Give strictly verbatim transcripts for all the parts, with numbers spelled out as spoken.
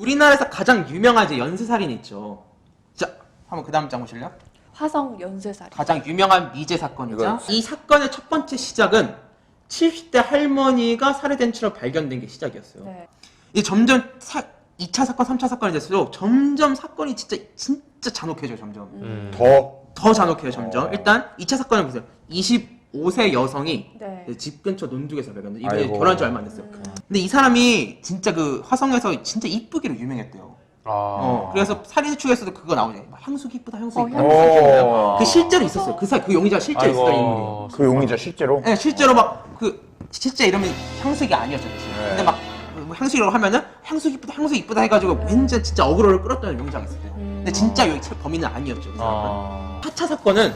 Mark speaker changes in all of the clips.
Speaker 1: 우리나라에서 가장 유명한 이제 연쇄살인이 있죠. 자, 한번 그 다음 장 보실래요?
Speaker 2: 화성 연쇄살인.
Speaker 1: 가장 유명한 미제 사건이죠.
Speaker 3: 이건-
Speaker 1: 이 사건의 첫 번째 시작은 칠십 대 할머니가 살해된 채로 발견된 게 시작이었어요.
Speaker 2: 네.
Speaker 1: 이 점점 사, 이 차 사건, 삼 차 사건이 될수록 점점 사건이 진짜 진짜 잔혹해져요. 점점
Speaker 2: 음.
Speaker 3: 더
Speaker 1: 더 잔혹해요. 점점
Speaker 3: 어.
Speaker 1: 일단 이 차 사건을 보세요. 이십오 세 여성이
Speaker 2: 네.
Speaker 1: 집 근처 논둑에서 발견돼. 이분이
Speaker 3: 아이고.
Speaker 1: 결혼한 지 얼마 안 됐어요.
Speaker 2: 음.
Speaker 1: 근데 이 사람이 진짜 그 화성에서 진짜 이쁘기로 유명했대요.
Speaker 4: 아.
Speaker 1: 어, 그래서 살인 추에서도 그거 나오죠. 막 향수기 이쁘다, 향수
Speaker 2: 어,
Speaker 1: 이쁘다.
Speaker 2: 향수.
Speaker 3: 오.
Speaker 1: 그 실제로 있었어요. 그 사, 그 용의자 실제로 있었던 인물이에요.
Speaker 3: 그 용의자 실제로?
Speaker 1: 네, 실제로 막 그 실제 이름이 향수기 아니었죠, 대신.
Speaker 3: 네.
Speaker 1: 근데 막 뭐 향수기라고 하면은 향수 이쁘다, 향수 이쁘다 해가지고 왠지 진짜 어그로를 끌었던 용의자가 있었대요.
Speaker 2: 음.
Speaker 1: 근데 진짜 여기 범인은 아니었죠, 그 사람은.
Speaker 4: 아.
Speaker 1: 사 차 사건은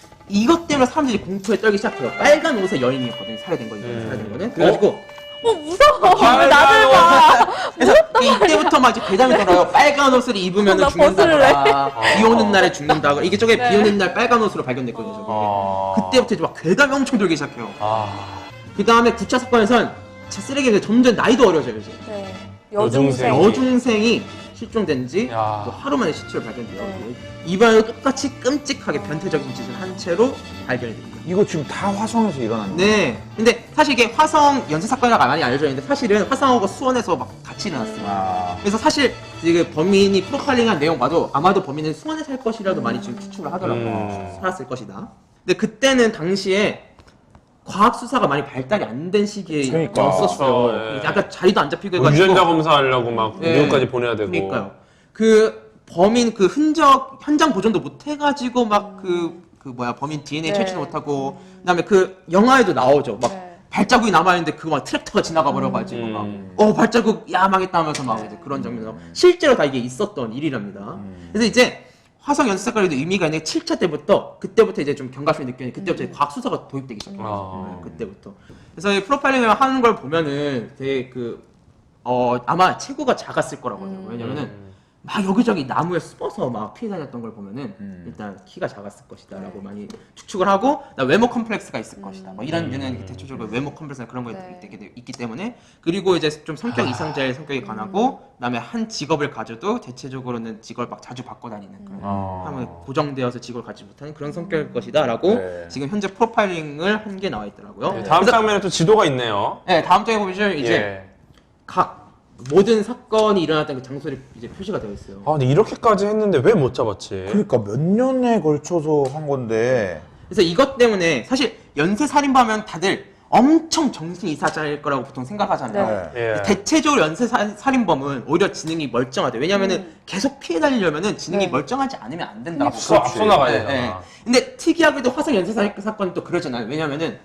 Speaker 1: 이것 때문에 사람들이 공포에 떨기 시작해요. 빨간 옷의 여인이었거든요, 살해된 거, 이번에
Speaker 4: 음.
Speaker 1: 살해된 거는. 그래가지고
Speaker 2: 어 무서워.
Speaker 4: 아,
Speaker 2: 왜 나를 봐.
Speaker 1: 그래서 이때부터 막 이제 괴담이 돌아요. 빨간 옷을 입으면
Speaker 2: 나
Speaker 1: 죽는다거나, 비 오는 날에 죽는다거나. 이게 저게
Speaker 2: 네.
Speaker 1: 비 오는 날 빨간 옷으로 발견됐거든요. 저게.
Speaker 4: 아.
Speaker 1: 그때부터 이제 막 괴담이 엄청 돌기 시작해요.
Speaker 4: 아.
Speaker 1: 그 다음에 구 차 사건에선 제 쓰레기가 점점 나이도 어려져요. 이제.
Speaker 2: 네.
Speaker 4: 여중생.
Speaker 2: 여중생.
Speaker 1: 여중생이 실종된 지
Speaker 4: 야.
Speaker 1: 또 하루 만에 시체로 발견돼요.
Speaker 2: 네.
Speaker 1: 이번에도 똑같이 끔찍하게 변태적인 짓을 한 채로 발견이 됩니다.
Speaker 3: 이거 지금 다 화성에서 일어난 거예요?
Speaker 1: 네. 근데 사실 이게 화성 연쇄 사건이라고 많이 알려져 있는데 사실은 화성하고 수원에서 막 같이 일어났어요.
Speaker 3: 아.
Speaker 1: 그래서 사실 이게 범인이 프로파일링한 내용 봐도 아마도 범인은 수원에 살 것이라도 많이 지금 추측을 하더라고요.
Speaker 4: 음.
Speaker 1: 살았을 것이다. 근데 그때는 당시에 과학 수사가 많이 발달이 안 된 시기에
Speaker 3: 그러니까.
Speaker 1: 였었어요.
Speaker 4: 그렇죠, 예.
Speaker 1: 약간 자리도 안 잡히고
Speaker 4: 뭐
Speaker 1: 해가지고.
Speaker 4: 유전자 검사하려고 막
Speaker 1: 예.
Speaker 4: 미국까지 보내야 되고.
Speaker 1: 그러니까요. 그 범인 그 흔적 현장 보존도 못 해가지고 막 그 그 뭐야 범인 디엔에이
Speaker 2: 네.
Speaker 1: 채취도 못하고 그다음에 그 영화에도 나오죠. 막
Speaker 2: 네.
Speaker 1: 발자국이 남아있는데 그거 막 트랙터가 지나가 버려가지고
Speaker 4: 음.
Speaker 1: 막 어 발자국 야 망했다 하면서 막 이제 그런 장면이 나오고 실제로 다 이게 있었던 일이랍니다. 그래서 이제 화성 연쇄 사건에도 의미가 있는 게 칠 차 때부터 그때부터 이제 좀 경각심이 느껴지는 그때부터 이제 과학 수사가 도입되기 시작해요.
Speaker 4: 아.
Speaker 1: 네, 그때부터. 그래서 이 프로파일링을 하는 걸 보면은 되게 그 어 아마 체구가 작았을 거라고 해요.
Speaker 2: 음.
Speaker 1: 왜냐면은
Speaker 4: 음.
Speaker 1: 막 여기저기 나무에 숨어서 막 피해 다녔던 걸 보면은
Speaker 3: 음.
Speaker 1: 일단 키가 작았을 것이다라고
Speaker 2: 네.
Speaker 1: 많이 추측을 하고 나 외모 컴플렉스가 있을 것이다. 뭐 이런
Speaker 4: 음.
Speaker 1: 류는 대체적으로 외모 컴플렉스나 그런 거에
Speaker 2: 네.
Speaker 1: 되게 있기 때문에 그리고 이제 좀 성격 이상자의 성격이
Speaker 2: 음.
Speaker 1: 강하고 그다음에 한 직업을 가져도 대체적으로는 직업을 막 자주 바꿔 다니는 그런
Speaker 3: 아.
Speaker 1: 하면 고정되어서 직업을 가지지 못하는 그런 성격일 것이다라고
Speaker 3: 네.
Speaker 1: 지금 현재 프로파일링을 한 게 나와 있더라고요.
Speaker 2: 네.
Speaker 4: 다음
Speaker 1: 그래서-
Speaker 4: 장면에 또 지도가 있네요.
Speaker 1: 네, 다음 장에 보시면 이제
Speaker 4: 예.
Speaker 1: 각 모든 사건이 일어났던 그 장소를 이제 표시가 되어 있어요.
Speaker 4: 아 근데 이렇게까지 했는데 왜 못 잡았지?
Speaker 3: 그러니까 몇 년에 걸쳐서 한 건데
Speaker 1: 그래서 이것 때문에 사실 연쇄 살인범하면 다들 엄청 정신 이사자일 거라고 보통 생각하잖아요.
Speaker 3: 네.
Speaker 4: 예.
Speaker 1: 대체적으로 연쇄 사- 살인범은 오히려 지능이 멀쩡하대. 왜냐면은
Speaker 2: 음.
Speaker 1: 계속 피해 다니려면은 지능이
Speaker 2: 네.
Speaker 1: 멀쩡하지 않으면 안 된다고.
Speaker 4: 앞서 앞서 나가야
Speaker 1: 네,
Speaker 4: 되잖아.
Speaker 1: 네. 근데 특이하게도 화성 연쇄 살인 사건은 또 그러잖아요. 왜냐면은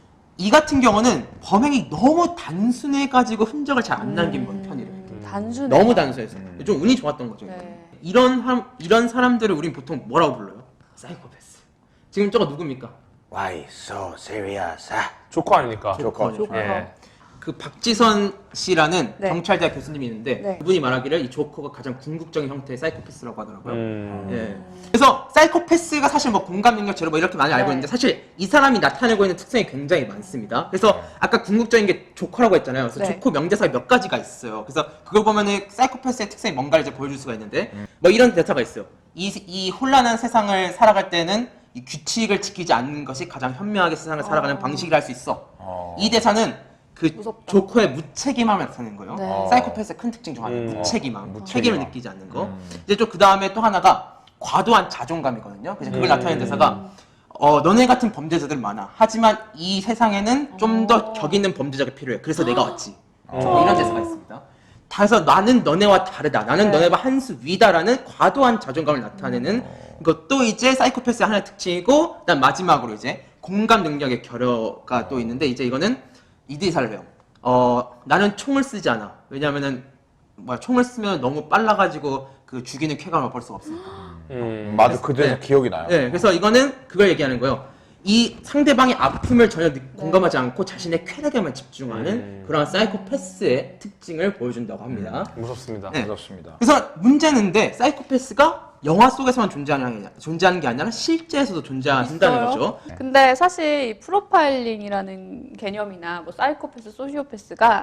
Speaker 1: 이 같은 경우는 범행이 너무 단순해가지고 흔적을 잘 안 남긴
Speaker 2: 음.
Speaker 1: 편이래요.
Speaker 2: 단순해.
Speaker 1: 너무 단순해서
Speaker 3: 음.
Speaker 1: 좀 운이 좋았던 거죠.
Speaker 2: 네.
Speaker 1: 이런 사, 이런 사람들을 우린 보통 뭐라고 불러요? 사이코패스. 지금 저거 누굽니까?
Speaker 3: Why so serious?
Speaker 4: 조커 아닙니까?
Speaker 3: 조커.
Speaker 2: 조커.
Speaker 4: 예.
Speaker 1: 그 박지선 씨라는
Speaker 2: 네.
Speaker 1: 경찰대학 교수님이 있는데
Speaker 2: 네.
Speaker 1: 그분이 말하기를 이 조커가 가장 궁극적인 형태의 사이코패스라고 하더라고요.
Speaker 4: 음.
Speaker 1: 예. 그래서 사이코패스가 사실 뭐 공감 능력 제로 뭐 이렇게 많이 알고
Speaker 2: 네.
Speaker 1: 있는데 사실 이 사람이 나타내고 있는 특성이 굉장히 많습니다. 그래서 아까 궁극적인 게 조커라고 했잖아요. 그래서
Speaker 2: 네.
Speaker 1: 조커 명대사가 몇 가지가 있어요. 그래서 그걸 보면은 사이코패스의 특성이 뭔가를 이제 보여줄 수가 있는데 뭐 이런 대사가 있어요. 이, 이 혼란한 세상을 살아갈 때는 이 규칙을 지키지 않는 것이 가장 현명하게 세상을 살아가는
Speaker 2: 어.
Speaker 1: 방식이라 할 수 있어.
Speaker 3: 어.
Speaker 1: 이 대사는 그
Speaker 2: 무섭다.
Speaker 1: 조커의 무책임함을 나타내는 거예요.
Speaker 2: 네.
Speaker 1: 사이코패스의 큰 특징 중 하나예요.
Speaker 4: 음.
Speaker 1: 무책임함.
Speaker 3: 어, 무책임함.
Speaker 1: 책임을 느끼지 않는 거.
Speaker 3: 음.
Speaker 1: 이제 또 그 다음에 또 하나가 과도한 자존감이거든요. 그래서 그걸
Speaker 4: 음.
Speaker 1: 나타내는 대사가 어, 너네 같은 범죄자들 많아. 하지만 이 세상에는 좀 더
Speaker 2: 어.
Speaker 1: 격 있는 범죄자가 필요해. 그래서 내가 왔지.
Speaker 3: 어.
Speaker 1: 뭐 이런 대사가 있습니다. 그래서 나는 너네와 다르다. 나는
Speaker 2: 네.
Speaker 1: 너네와 한 수 위다라는 과도한 자존감을 나타내는 것도 이제 사이코패스의 하나의 특징이고, 그다음 마지막으로 이제 공감 능력의 결여가 또 있는데 이제 이거는 이 대사를 배워. 어, 나는 총을 쓰지 않아. 왜냐면은 뭐야 총을 쓰면 너무 빨라가지고 그 죽이는 쾌감을 맛볼 수가 없으니까.
Speaker 4: 음.
Speaker 3: 맞아, 그대로
Speaker 1: 네.
Speaker 3: 기억이 나요.
Speaker 1: 네, 그래서 이거는 그걸 얘기하는 거예요. 이 상대방의 아픔을 전혀 느- 공감하지 않고 자신의 쾌락에만 집중하는
Speaker 4: 음.
Speaker 1: 그러한 사이코패스의 특징을 보여준다고 합니다.
Speaker 4: 무섭습니다.
Speaker 1: 네.
Speaker 3: 그렇습니다.
Speaker 1: 그래서 문제는데 사이코패스가 영화 속에서만 존재하는, 게- 존재하는 게 아니라 실제에서도 존재한다는
Speaker 2: 있어요?
Speaker 1: 거죠.
Speaker 2: 근데 사실 이 프로파일링이라는 개념이나 뭐 사이코패스, 소시오패스가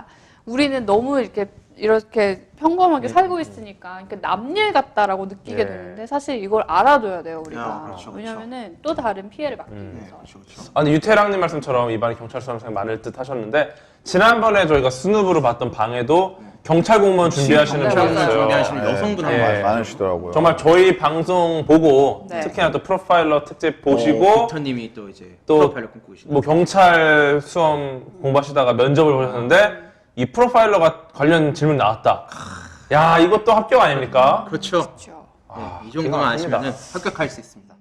Speaker 2: 우리는 너무 이렇게 이렇게 평범하게
Speaker 1: 네.
Speaker 2: 살고 있으니까 그러니까 남일 같다라고 느끼게
Speaker 4: 네.
Speaker 2: 되는데 사실 이걸 알아둬야 돼요 우리가.
Speaker 1: 아, 그렇죠, 그렇죠.
Speaker 2: 왜냐면은 또 다른 피해를 막기
Speaker 4: 음.
Speaker 1: 네,
Speaker 2: 위해서.
Speaker 1: 그렇죠, 그렇죠.
Speaker 4: 아, 근데 유태랑님 말씀처럼 이번에 경찰 수험생 많을 듯 하셨는데 지난번에 저희가 스누브로 봤던 방에도 경찰 공무원 준비하시는
Speaker 2: 네,
Speaker 4: 분이
Speaker 2: 맞아요.
Speaker 4: 있어요.
Speaker 1: 준비하시는
Speaker 3: 네,
Speaker 1: 여성분
Speaker 4: 예.
Speaker 1: 한 분.
Speaker 3: 많으시더라고요.
Speaker 4: 정말 저희 방송 보고
Speaker 2: 네.
Speaker 4: 특히나 또 프로파일러 특집 보시고
Speaker 1: 빅터님이 또 이제
Speaker 4: 또
Speaker 1: 프로파일을 꿈꾸고 계시는.
Speaker 4: 뭐 경찰 수험 공부하시다가 면접을 보셨는데 이 프로파일러가 관련 질문 나왔다. 야, 이것도 합격 아닙니까?
Speaker 1: 그렇죠.
Speaker 2: 그렇죠.
Speaker 1: 네, 이
Speaker 4: 기가
Speaker 1: 정도만
Speaker 4: 막힙니다.
Speaker 1: 아시면 합격할 수 있습니다.